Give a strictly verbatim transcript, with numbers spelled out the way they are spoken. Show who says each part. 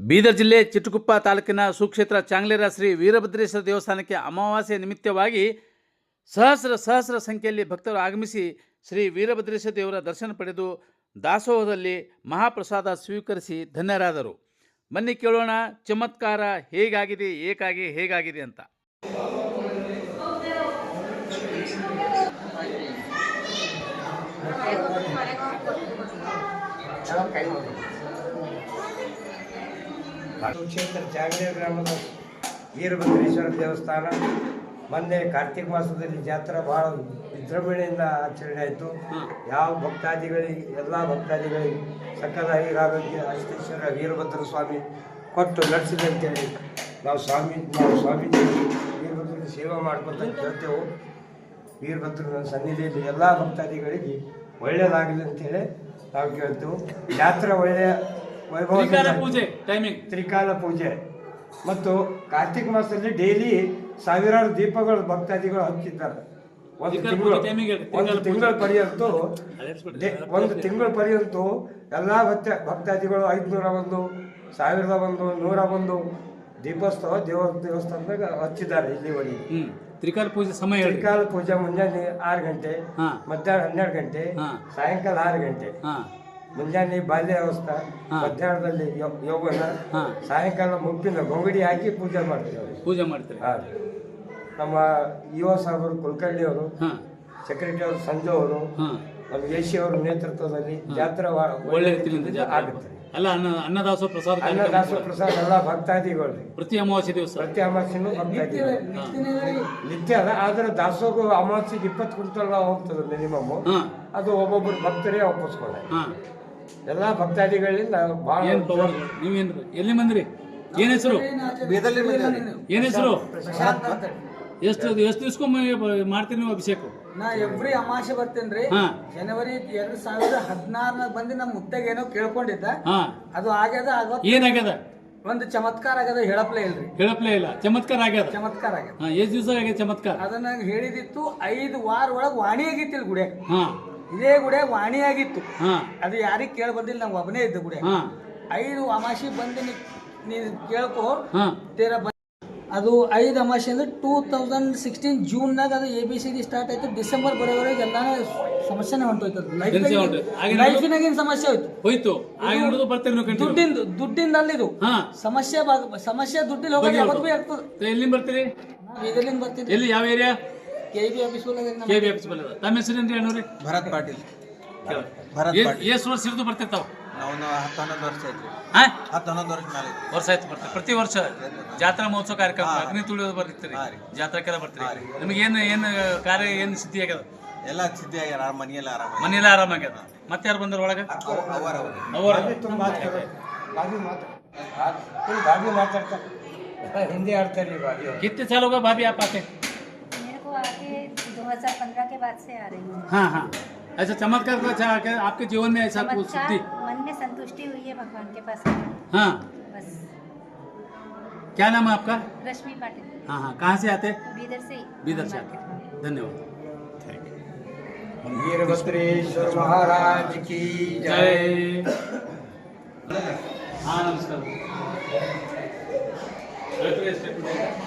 Speaker 1: ಬೀದರ್ ಜಿಲ್ಲೆ ಚಿಟ್ಟಗುಪ್ಪ ತಾಲೂಕಿನ ಸುಕ್ಷೇತ್ರ ಚಾಂಗ್ಲೇರ ಶ್ರೀ ವೀರಭದ್ರೇಶ್ವರ ದೇವಸ್ಥಾನಕ್ಕೆ ಅಮಾವಾಸ್ಯೆ ನಿಮಿತ್ತವಾಗಿ ಸಹಸ್ರ ಸಹಸ್ರ ಸಂಖ್ಯೆಯಲ್ಲಿ ಭಕ್ತರು ಆಗಮಿಸಿ ಶ್ರೀ ವೀರಭದ್ರೇಶ್ವರ ದೇವರ ದರ್ಶನ ಪಡೆದು ದಾಸೋಹದಲ್ಲಿ ಮಹಾಪ್ರಸಾದ ಸ್ವೀಕರಿಸಿ ಧನ್ಯರಾದರು. ಬನ್ನಿ ಕೇಳೋಣ ಚಮತ್ಕಾರ ಹೇಗಾಗಿದೆ, ಏಕಾಗಿ ಹೇಗಾಗಿದೆ ಅಂತ.
Speaker 2: ಸುಕ್ಷೇತ್ರ ಚಾಂಗ್ಲೇರ ಗ್ರಾಮದ ವೀರಭದ್ರೇಶ್ವರ ದೇವಸ್ಥಾನ ಮೊನ್ನೆ ಕಾರ್ತಿಕ ಮಾಸದಲ್ಲಿ ಜಾತ್ರೆ ಭಾಳ ವಿಜೃಂಭಣೆಯಿಂದ ಆಚರಣೆ ಆಯಿತು. ಯಾವ ಭಕ್ತಾದಿಗಳಿಗೆ ಎಲ್ಲ ಭಕ್ತಾದಿಗಳಿಗೆ ಸಕಲ ಆರೋಗ್ಯ ಅಷ್ಟೇಶ್ವರ ವೀರಭದ್ರ ಸ್ವಾಮಿ ಕೊಟ್ಟು ನಡೆಸಿದಂತೇಳಿ ನಾವು ಸ್ವಾಮಿ ನಾವು ಸ್ವಾಮೀಜಿ ವೀರಭದ್ರ ಸೇವೆ ಮಾಡ್ಕೊತ ಕೇಳ್ತೇವೆ. ವೀರಭದ್ರನ ಸನ್ನಿಧಿಯಲ್ಲಿ ಎಲ್ಲ ಭಕ್ತಾದಿಗಳಿಗೆ ಒಳ್ಳೆಯದಾಗಲಿ ಅಂತೇಳಿ ನಾವು ಕೇಳ್ತೇವೆ. ಜಾತ್ರೆ ಒಳ್ಳೆಯ ವೈಭವ,
Speaker 1: ಪೂಜೆ ಟೈಮಿಂಗ್
Speaker 2: ತ್ರಿಕಾಲ ಪೂಜೆ ಮತ್ತು ಕಾರ್ತಿಕ ಮಾಸದಲ್ಲಿ ಡೈಲಿ ಸಾವಿರಾರು ದೀಪಗಳು ಭಕ್ತಾದಿಗಳು ಹಚ್ಚಿದ್ದಾರೆ. ಒಂದು ತಿಂಗಳು ಒಂದು ತಿಂಗಳ ಪರ್ಯಂತ ಒಂದು ತಿಂಗಳ ಪರ್ಯಂತ ಎಲ್ಲ ಭಕ್ತ ಭಕ್ತಾದಿಗಳು ಐದುನೂರ ಒಂದು, ಸಾವಿರದ ಒಂದು, ನೂರ ಒಂದು ದೀಪೋತ್ಸವ ದೇವ ದೇವಸ್ಥಾನದಾಗ ಹಚ್ಚಿದ್ದಾರೆ. ಇಲ್ಲಿವರೆಗೆ
Speaker 1: ತ್ರಿಕಾಲ ಪೂಜೆ ಸಮಯ
Speaker 2: ತ್ರಿಕಾಲ ಪೂಜೆ ಮುಂಜಾನೆ ಆರು ಗಂಟೆ, ಮಧ್ಯಾಹ್ನ ಹನ್ನೆರಡು ಗಂಟೆ, ಸಾಯಂಕಾಲ ಆರು ಗಂಟೆ. ಮುಂಜಾನೆ ಬಾಲ್ಯಾವಸ್ಥೆ, ಮಧ್ಯಾಹ್ನದಲ್ಲಿ ಯೋಗನ, ಸಾಯಂಕಾಲ ಮುಪ್ಪಿನ ಗೊಂಗಡಿ ಹಾಕಿ ಪೂಜೆ ಮಾಡ್ತೇವೆ
Speaker 1: ಪೂಜೆ ಮಾಡ್ತೇವೆ
Speaker 2: ಹಾಂ. ನಮ್ಮ ಯುವ ಸಾಹೇಬರು ಕುಲಕರ್ಣಿ ಅವರು, ಸೆಕ್ರೆಟರಿ ಅವರು ಸಂಜು ಅವರು, ನಮ್ಮ ಎ ಸಿ ಅವರ ನೇತೃತ್ವದಲ್ಲಿ ಜಾತ್ರೆ
Speaker 1: ಒಳ್ಳೆ ರೀತಿಯಿಂದ ಆಗುತ್ತೆ. ಅಲ್ಲ ಅನ್ನ ಅನ್ನದಾಸೋಹ ಪ್ರಸಾದ
Speaker 2: ಅನ್ನದಾಸೋಹ ಪ್ರಸಾದ ಎಲ್ಲ ಭಕ್ತಾದಿಗಳು
Speaker 1: ಪ್ರತಿ ಅಮಾವಾಸ್ಯೆ ದಿವಸ
Speaker 2: ಪ್ರತಿ ಅಮಾವಾಸ್ಯೆನೂ ಭಕ್ತಾದಿಗಳು ನಿತ್ಯ ಅದ. ಆದ್ರೆ ದಾಸೋಹ ಅಮಾವಾಸ್ಯೆಗೆ ಇಪ್ಪತ್ತು ಕ್ವಿಂಟಲ್ ಹೋಗ್ತದೆ ಮಿನಿಮಮ್. ಅದು ಒಬ್ಬೊಬ್ಬರು ಭಕ್ತರೇ ಒಪ್ಪಿಸ್ಕೊಂಡೆ. ಎಲ್ಲ ಭಕ್ತಾದಿಗಳಿಂದ ಬಹಳ.
Speaker 1: ನೀವೇನು ಎಲ್ಲಿ ಬಂದ್ರಿ? ಏನ್ ಹೆಸರು? ಏನ್ ಹೆಸರು? ಎಷ್ಟು ಎಷ್ಟು ದಿವ್ಸಕ್ಕೊಮ್ಮೆ ಮಾಡ್ತೀರಿ ನೀವು ಅಭಿಷೇಕ?
Speaker 3: ನಾ ಎವ್ರಿ ಅಮಾವಾಸ್ಯೆ ಬರ್ತೇನ್ರಿ. ಜನವರಿ ಎರಡ್ ಸಾವಿರದ ಹದಿನಾರನಾಗ ಬಂದು ನಮ್ಮ ಮುತ್ತಾಗ ಏನೋ ಕೇಳ್ಕೊಂಡಿದ್ದ, ಅದು ಆಗ್ಯದ.
Speaker 1: ಏನಾಗ್ಯದ?
Speaker 3: ಒಂದು ಚಮತ್ಕಾರ ಆಗ್ಯದ, ಹೇಳಪ್ಲೇ ಇಲ್ರಿ.
Speaker 1: ಹೇಳಪ್ಲೇ ಇಲ್ಲ, ಚಮತ್ಕಾರ ಆಗ್ಯದ.
Speaker 3: ಚಮತ್ಕಾರ ಆಗ್ಯದ.
Speaker 1: ಎಷ್ಟ್ ದಿವಸ ಆಗ್ಯದ ಚಮತ್ಕಾರ?
Speaker 3: ಅದನ್ನ ಹೇಳಿದಿತ್ತು ಐದು ವಾರ ಒಳಗ್ ವಾಣಿ ಆಗಿತ್ತಿಲ್ ಗುಡಿಯಾಗ. ಇದೇ ಗುಡಿಯಾಗ ವಾಣಿ ಆಗಿತ್ತು. ಅದು ಯಾರಿಗ್ ಕೇಳ ಬಂದಿಲ್ಲ, ನಾವು ಒಬ್ಬನೇ ಇದ್ದ ಗುಡಿಯಾಗ. ಐದು ಅಮಾವಾಸ್ಯೆ ಬಂದು ನೀ ಕೇಳ್ಕೋ ತೇರ. ಅದು ಐದು ಅಮಾವಾಸ್ಯೆ ಅಂದ್ರೆ ಟೂ ತೌಸಂಡ್ ಸಿಕ್ಸ್ಟೀನ್ ಜೂನ್ನಾಗ ಅದು A B C D start ಆಯ್ತು. ಡಿಸೆಂಬರ್ ಬರೋವರೆಗೆ ಎಲ್ಲಾನೇ ಸಮಸ್ಯೆನೇ ಹೊಂಟೋಯ್ತು. ಲೈಫಿನಾಗೇನು ಸಮಸ್ಯೆ ಹೋಯ್ತು
Speaker 1: ಹೋಯ್ತು
Speaker 3: ದುಡ್ಡಿಂದು ದುಡ್ಡಿಂದ ಅಲ್ಲಿದು ಸಮಸ್ಯೆ ಸಮಸ್ಯೆ ದುಡ್ಡಿಲ್ ಹೋಗೋದು ಯಾವತ್ತು ಭೀ ಆಗ್ತದೆ.
Speaker 1: ಎಲ್ಲಿಂದ ಬರ್ತೀರಿ?
Speaker 3: ಇದರಿಂದ ಬರ್ತೀನಿ.
Speaker 1: ಎಲ್ಲಿ, ಯಾವ area?
Speaker 3: K B office
Speaker 1: K B office ಬಲ್ಲ. ತಮ್ಮ ಹೆಸರೇನ್ರಿ ಅಣ್ಣವ್ರಿ?
Speaker 4: ಭರತ್ ಪಾಟೀಲ್.
Speaker 1: ಎಷ್ಟು ವರ್ಷ ಹಿಡಿದು ಬರ್ತಿರ್ತಾವ?
Speaker 4: ನಾವು ಹತ್ತು ಹನ್ನೊಂದು ವರ್ಷ ಐತ್ರಿ. ಹತ್ತು ಹನ್ನೊಂದು ವರ್ಷ ಮೇಲೆ
Speaker 1: ವರ್ಷ ಆಯ್ತು ಬರ್ತೀವಿ. ಪ್ರತಿ ವರ್ಷ ಜಾತ್ರಾ ಮಹೋತ್ಸವ ಕಾರ್ಯಕ್ರಮ ಅಗ್ನಿ ತುಳಿಯೋದು ಬರ್ತೀರಿ, ಜಾತ್ರೆಗೆಲ್ಲ ಬರ್ತೀರಿ. ನಿಮಗೆ ಏನು ಏನು ಕಾರ್ಯ ಏನು ಸಿದ್ಧಿ ಆಗ್ಯದ?
Speaker 4: ಎಲ್ಲ ಸಿದ್ಧಿ ಆಗ್ಯಾರ. ಮನೆಯೆಲ್ಲ ಆರಾಮ,
Speaker 1: ಮನೆಯೆಲ್ಲ ಆರಾಮಾಗ್ಯದ. ಮತ್ತೆ ಯಾರು ಬಂದ್ರ ಒಳಗೆ?
Speaker 2: हिंदी आड़ते
Speaker 1: कितने साल होगा भाभी आप आते?
Speaker 5: मेरे को आके दो हज़ार पंद्रह के बाद से आ रही हूँ.
Speaker 1: हाँ हाँ. ऐसा चमत्कार तो अच्छा आपके जीवन में ऐसा कुछ सिद्धि?
Speaker 5: मन में संतुष्टि हुई है भगवान के पास.
Speaker 1: हाँ.
Speaker 5: बस.
Speaker 1: क्या नाम है आपका?
Speaker 5: रश्मि पाटिल.
Speaker 1: हाँ हाँ. कहाँ से आते?
Speaker 5: बीदर से.
Speaker 1: बीदर से आते. धन्यवाद.
Speaker 2: वीरभद्रेश्वर महाराज की जय.
Speaker 1: हाँ नमस्कार.